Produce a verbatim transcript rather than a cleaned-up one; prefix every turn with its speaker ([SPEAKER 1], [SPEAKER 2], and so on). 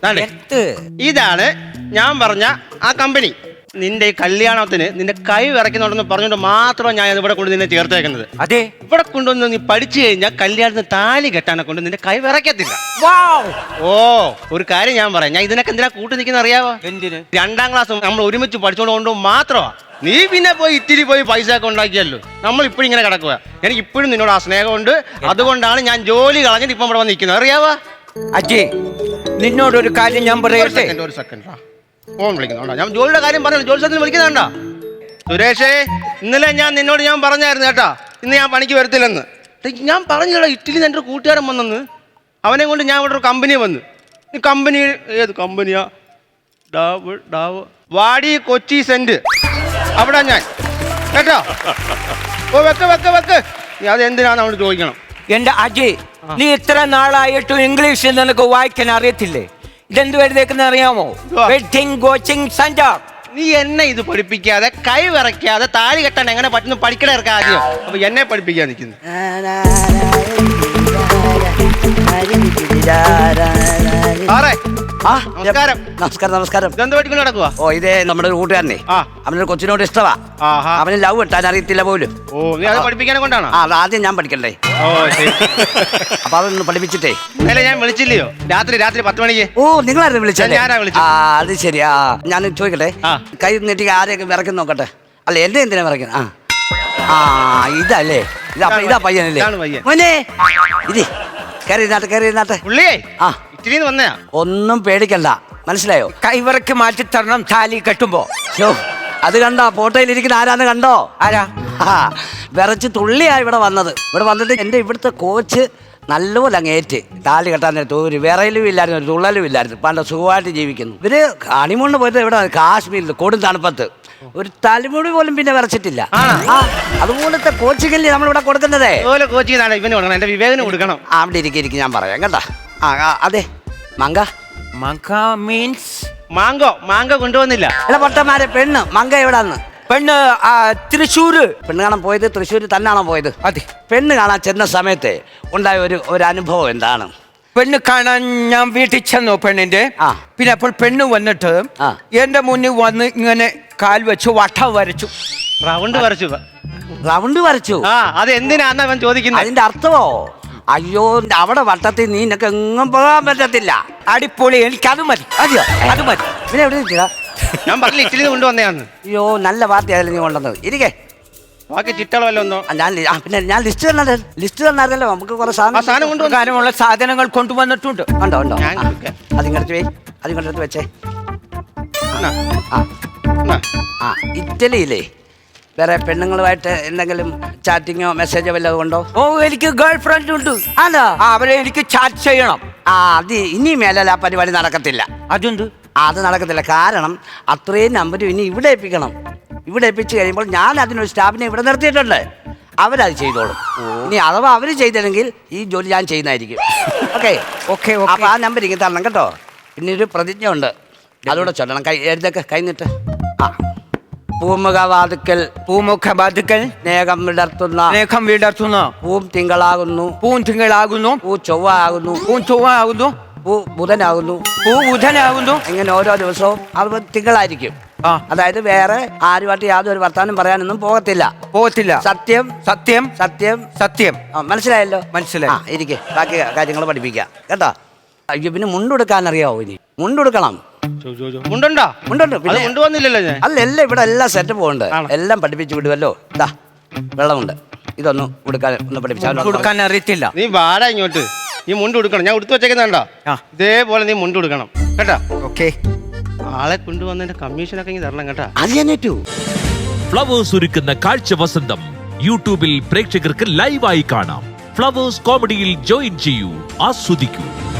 [SPEAKER 1] ഇതാണ് ഞാൻ പറഞ്ഞ ആ കമ്പനി. നിന്റെ ഈ കല്യാണത്തിന് നിന്റെ കൈ വിറയ്ക്കുന്നുണ്ടെന്ന് പറഞ്ഞുകൊണ്ട് മാത്രം ഞാൻ ഇവിടെ കൊണ്ട് നിന്നെ ചേർത്തേക്കുന്നത്.
[SPEAKER 2] അതെ,
[SPEAKER 1] ഇവിടെ കൊണ്ടുവന്ന് നീ പഠിച്ചു കഴിഞ്ഞാൽ കല്യാണത്തിന് താലി കെട്ടാനെ കൊണ്ട് നിന്റെ കൈ വിറയ്ക്കത്തില്ല. ഓ, ഒരു കാര്യം ഞാൻ പറയാം, ഞാൻ ഇതിനൊക്കെ എന്തിനാ കൂട്ടി നിൽക്കുന്ന അറിയാവോ?
[SPEAKER 2] എന്തിന്? രണ്ടാം
[SPEAKER 1] ക്ലാസ് നമ്മൾ ഒരുമിച്ച് പഠിച്ചോണ്ട് കൊണ്ട് മാത്രമാ. നീ പിന്നെ പോയി ഇത്തിരി പോയി പൈസ ഒക്കെ ഉണ്ടാക്കിയല്ലോ. നമ്മൾ ഇപ്പോഴും ഇങ്ങനെ കിടക്കുക. എനിക്ക് ഇപ്പോഴും നിന്നോട് ആ സ്നേഹമുണ്ട്. അതുകൊണ്ടാണ് ഞാൻ ജോലി കളഞ്ഞിട്ട് ഇപ്പം ഇവിടെ വന്ന് നിൽക്കുന്നത്, അറിയാവോ?
[SPEAKER 2] അജയ്, നിന്നോടൊരു കാര്യം ഞാൻ പറയട്ടെ.
[SPEAKER 1] ഒരു സെക്കൻഡ്, ഫോൺ വിളിക്കുന്നുണ്ടോ? ഞാൻ ജോലിയുടെ കാര്യം പറഞ്ഞു, ജോലി സ്ഥലത്ത് വിളിക്കുന്നുണ്ടോ? സുരേഷേ, ഇന്നലെ ഞാൻ നിന്നോട് ഞാൻ പറഞ്ഞായിരുന്നു കേട്ടാ, ഇന്ന് ഞാൻ പണിക്ക് വരത്തില്ലെന്ന്. ഞാൻ പറഞ്ഞില്ല ഇറ്റലി എൻ്റെ ഒരു കൂട്ടുകാരൻ വന്നെന്ന്. അവനെ കൊണ്ട് ഞാൻ ഇവിടെ ഒരു കമ്പനി വന്ന്. ഈ കമ്പനി ഏത് കമ്പനിയാ? ഡാവ് ഡാവ് വാടി കൊച്ചി സെന്റ്. അവിടെ ഞാൻ കേട്ടോ. ഓ വെക്ക് വെക്ക് വെക്ക്. നീ അത് എന്തിനാന്ന് അവിടെ ചോദിക്കണം.
[SPEAKER 2] എന്റെ അജയ്, നീ ഇത്ര നാളായിട്ടും ഇംഗ്ലീഷ് നിനക്ക് വായിക്കാൻ അറിയത്തില്ലേ? ഇതെന്ത് വരുന്നേക്കുന്ന അറിയാമോ? Wedding coaching centre.
[SPEAKER 1] നീ എന്നെ ഇത് പഠിപ്പിക്കാതെ കൈ വിറയ്ക്കാതെ താലി കെട്ടാൻ എങ്ങനെ പറ്റുന്നു പഠിക്കണ ഇറക്കാം ആദ്യം. അപ്പൊ എന്നെ പഠിപ്പിക്കാൻ നിൽക്കുന്നു. നമസ്കാരം.
[SPEAKER 3] നമസ്കാരം നമസ്കാരം.
[SPEAKER 1] ഇതെന്ത് പഠിക്കൊണ്ട് നടക്കുക?
[SPEAKER 3] ഓ, ഇതേ നമ്മുടെ ഒരു കൂട്ടുകാരനെ. അവനൊരു കൊച്ചിനോട് ഇഷ്ടമാ. അവന് ലവ് കിട്ടാൻ അറിയത്തില്ല പോലും.
[SPEAKER 1] ഓ, നീ അത് പഠിപ്പിക്കാനെ കൊണ്ടാണ്?
[SPEAKER 3] ആ, ആദ്യം ഞാൻ പഠിക്കണ്ടേ.
[SPEAKER 1] ഓ ശരി.
[SPEAKER 3] അപ്പൊ അതൊന്ന് പഠിപ്പിച്ചിട്ടേ.
[SPEAKER 1] ഇന്നലെ ഞാൻ വിളിച്ചില്ലയോ രാത്രി രാത്രി പത്ത് മണിക്ക്?
[SPEAKER 3] ഓ, നിങ്ങളായിരുന്നു വിളിച്ചത്?
[SPEAKER 1] ഞാനാ വിളിച്ചത്.
[SPEAKER 3] ആ, അത് ശരി. ആ, ഞാൻ ചോദിക്കട്ടെ, കൈ നീട്ടി ആരെയൊക്കെ വിറയ്ക്കുന്ന നോക്കട്ടെ. അല്ല, എന്റെ എന്തിനാ വിറയ്ക്കുന്നത്? ആ ആ ഇതല്ലേ, ഇതാ ഇതാ പയ്യനല്ലേ മോനെ? ഇത് കയറി ഇരുന്നാട്ടെ, കയറി ഇരുന്നാട്ടെ. ആ,
[SPEAKER 1] വന്നയാ.
[SPEAKER 3] ഒന്നും പേടിക്കണ്ട, മനസ്സിലായോ?
[SPEAKER 2] കൈവറക്ക് മാറ്റി തരണം താലി കെട്ടുമ്പോ.
[SPEAKER 3] അത് കണ്ടോ? ഫോട്ടോയിൽ ഇരിക്കുന്ന ആരാന്ന് കണ്ടോ?
[SPEAKER 2] ആരാ?
[SPEAKER 3] ആ, വിറച്ച് തുള്ളിയാ ഇവിടെ വന്നത്. ഇവിടെ വന്നിട്ട് എൻ്റെ ഇവിടുത്തെ കോച്ച് നല്ലപോലെ അങ്ങ് ഏറ്റ് താലി കെട്ടാൻ നേരത്ത് ഒരു വിറയിലും ഇല്ലായിരുന്നു, ഒരു തുള്ളലും ഇല്ലായിരുന്നു. പണ്ട് സുഖമായിട്ട് ജീവിക്കുന്നു. ഇവര് ഹണിമൂണിന് പോയിട്ട് ഇവിടെ കാശ്മീരിൽ കൊടും തണുപ്പത്ത് ഒരു തലമുടി പോലും പിന്നെ വിറച്ചിട്ടില്ല. അതുപോലത്തെ കോച്ചിങ്ങല്ലേ നമ്മളിവിടെ കൊടുക്കുന്നതേ.
[SPEAKER 1] എന്റെ വിവേകന് കൊടുക്കണം.
[SPEAKER 3] അവിടെ ഇരിക്കും ഇരിക്കും, ഞാൻ പറയാം കേട്ടാ. ആ, അതെ. മങ്ക
[SPEAKER 2] മങ്ക മീൻസ്
[SPEAKER 1] മാങ്കോ. മാങ്കോ കൊണ്ടുവന്നില്ല.
[SPEAKER 3] അല്ല പൊട്ടന്മാരെ, പെണ്ണ് മങ്ക എവിടാന്ന്?
[SPEAKER 2] പെണ്ണ് തൃശ്ശൂര്.
[SPEAKER 3] പെണ്ണ് കാണാൻ പോയത് തൃശ്ശൂര് തന്നെയാണോ പോയത്?
[SPEAKER 2] അതെ.
[SPEAKER 3] പെണ്ണ് കാണാൻ ചെന്ന സമയത്ത് ഉണ്ടായ ഒരു ഒരു അനുഭവം എന്താണ്?
[SPEAKER 2] പെണ്ണ് കാണാൻ ഞാൻ വീട്ടിൽ ചെന്നു പെണ്ണിന്റെ. പിന്നെ അപ്പോൾ പെണ്ണ് വന്നിട്ട് എന്റെ മുന്നിൽ വന്ന് ഇങ്ങനെ കാൽ വെച്ച് വട്ടം വരച്ചു.
[SPEAKER 1] റൗണ്ട് വരച്ചു.
[SPEAKER 3] റൗണ്ട് വരച്ചു?
[SPEAKER 1] ആ, അത് എന്തിനാന്ന് അവൻ ചോദിക്കുന്നത്.
[SPEAKER 3] അതിന്റെ അർത്ഥമോ? അയ്യോ, അവിടെ വട്ടത്തിൽ നീ നിനക്ക് എങ്ങും പോകാൻ പറ്റത്തില്ല.
[SPEAKER 2] അടിപൊളി, എനിക്ക് അത് മതി.
[SPEAKER 3] അതെയോ?
[SPEAKER 2] അത് മതി.
[SPEAKER 3] പിന്നെ എവിടെ നിൽക്കുക?
[SPEAKER 1] ഞാൻ പറഞ്ഞില്ല ഇറ്റലി കൊണ്ടുവന്നയാന്ന്.
[SPEAKER 3] അയ്യോ, നല്ല പാർട്ടി ആയാലും നീ കൊണ്ടുവന്നത്. ഇരിക്കേ,
[SPEAKER 1] ബാക്കി ചിട്ടളവല്ലോ.
[SPEAKER 3] ഞാൻ പിന്നെ ഞാൻ ലിസ്റ്റ് തന്നെ ലിസ്റ്റ് തന്നായിരുന്നല്ലോ. നമുക്ക് കുറെ
[SPEAKER 1] സാധനം
[SPEAKER 2] കൊണ്ടുവന്നുള്ള സാധനങ്ങൾ കൊണ്ടുവന്നിട്ടുണ്ട്.
[SPEAKER 3] ഉണ്ടോ ഉണ്ടോ? അതിങ്ങടുത്ത് പോയി അതിങ്ങടുത്ത് വെച്ചേ. ആ, ഇറ്റലിയിലേ വേറെ പെണ്ണുങ്ങളുമായിട്ട് എന്തെങ്കിലും ചാറ്റിങ്ങോ മെസ്സേജോ വല്ലതും ഉണ്ടോ?
[SPEAKER 2] ഓ, എനിക്ക് ഗേൾ ഫ്രണ്ട് ഉണ്ട്.
[SPEAKER 3] ആണോ?
[SPEAKER 2] അവരെ എനിക്ക് ചാറ്റ് ചെയ്യണം.
[SPEAKER 3] ആ, അത് ഇനി മേലല്ല ആ പരിപാടി നടക്കത്തില്ല.
[SPEAKER 2] അതുണ്ട്.
[SPEAKER 3] അത് നടക്കത്തില്ല. കാരണം അത്രയും നമ്പർ ഇനി ഇവിടെ ഏൽപ്പിക്കണം. ഇവിടെ ഏൽപ്പിച്ച് കഴിയുമ്പോൾ ഞാൻ അതിനൊരു സ്റ്റാഫിനെ ഇവിടെ നിർത്തിയിട്ടുണ്ട്. അവരത് ചെയ്തോളും. ഇനി അഥവാ അവർ ചെയ്തില്ലെങ്കിൽ ഈ ജോലി ഞാൻ ചെയ്യുന്നതായിരിക്കും. Okay
[SPEAKER 2] okay.
[SPEAKER 3] അപ്പൊ ആ നമ്പർ ഇങ്ങനെ തരണം കേട്ടോ. പിന്നെ ഒരു പ്രതിജ്ഞ ഉണ്ട്, അതുകൂടെ ചൊല്ലണം. കൈ എഴുതൊക്കെ കൈന്നിട്ട്. ആ, പൂമുഖവാതുക്കൽ
[SPEAKER 2] പൂമുഖവാതുക്കൽ
[SPEAKER 3] സ്നേഹം വിടർത്തുന്ന
[SPEAKER 2] സ്നേഹം വിടർത്തുന്ന
[SPEAKER 3] പൂം തിങ്കളാകുന്നു
[SPEAKER 2] പൂം തിങ്കളാകുന്നു
[SPEAKER 3] പൂ ചൊവ്വ ആകുന്നു
[SPEAKER 2] പൂ ചൊവ്വ ആകുന്നു
[SPEAKER 3] പൂ ബുധനാകുന്നു
[SPEAKER 2] പൂ ബുധനാകുന്നു.
[SPEAKER 3] ഇങ്ങനെ ഓരോ ദിവസവും അത് തിങ്കളായിരിക്കും. അതായത് വേറെ ആരുമായിട്ട് യാതൊരു വർത്താനം പറയാനൊന്നും പോകത്തില്ല.
[SPEAKER 2] പോകത്തില്ല.
[SPEAKER 3] സത്യം സത്യം സത്യം
[SPEAKER 2] സത്യം.
[SPEAKER 3] മനസ്സിലായല്ലോ?
[SPEAKER 2] മനസ്സിലായി.
[SPEAKER 3] ഇരിക്കെ, ബാക്കി കാര്യങ്ങൾ പഠിപ്പിക്കാം കേട്ടോ. അയ്യോ, പിന്നെ മുണ്ടെടുക്കാൻ അറിയാവോ? ഇനി മുണ്ടെടുക്കണം.
[SPEAKER 1] മുണ്ടുണ്ടോ?
[SPEAKER 3] മുണ്ടുണ്ട്. പിന്നെ
[SPEAKER 1] കൊണ്ടുവന്നില്ലല്ലോ ഞാൻ.
[SPEAKER 3] അല്ല, എല്ലാം ഇവിടെ എല്ലാം സെറ്റപ്പ് ഉണ്ട്. എല്ലാം പഠിപ്പിച്ചു വിടുമല്ലോ. ഇതാ വെള്ളമുണ്ട്, ഇതൊന്നും ഉടുക്കാൻ ഒന്ന് പഠിപ്പിച്ചാൽ.
[SPEAKER 2] കൊടുക്കാൻ അറിയത്തില്ല.
[SPEAKER 1] നീ വാടാ ഇങ്ങോട്ട്. നീ മുണ്ട് കൊടുക്കണം. ഞാൻ ഉടുത്ത് വെച്ചേക്കുന്നുണ്ടോ? ഇതേപോലെ നീ മുണ്ട് കൊടുക്കണം കേട്ടാ.
[SPEAKER 2] ഓക്കെ.
[SPEAKER 1] ആളെ കൊണ്ടുവന്നതിന്റെ കമ്മീഷനൊക്കെ ഇങ്ങനെ തരണം കേട്ടാ.
[SPEAKER 3] അത്
[SPEAKER 4] ഫ്ലവേഴ്സ് ഒരുക്കുന്ന കാഴ്ച വസന്തം യൂട്യൂബിൽ പ്രേക്ഷകർക്ക് ലൈവായി കാണാം. ഫ്ലവേഴ്സ് കോമഡിയിൽ ജോയിൻ ചെയ്യൂ, ആസ്വദിക്കൂ.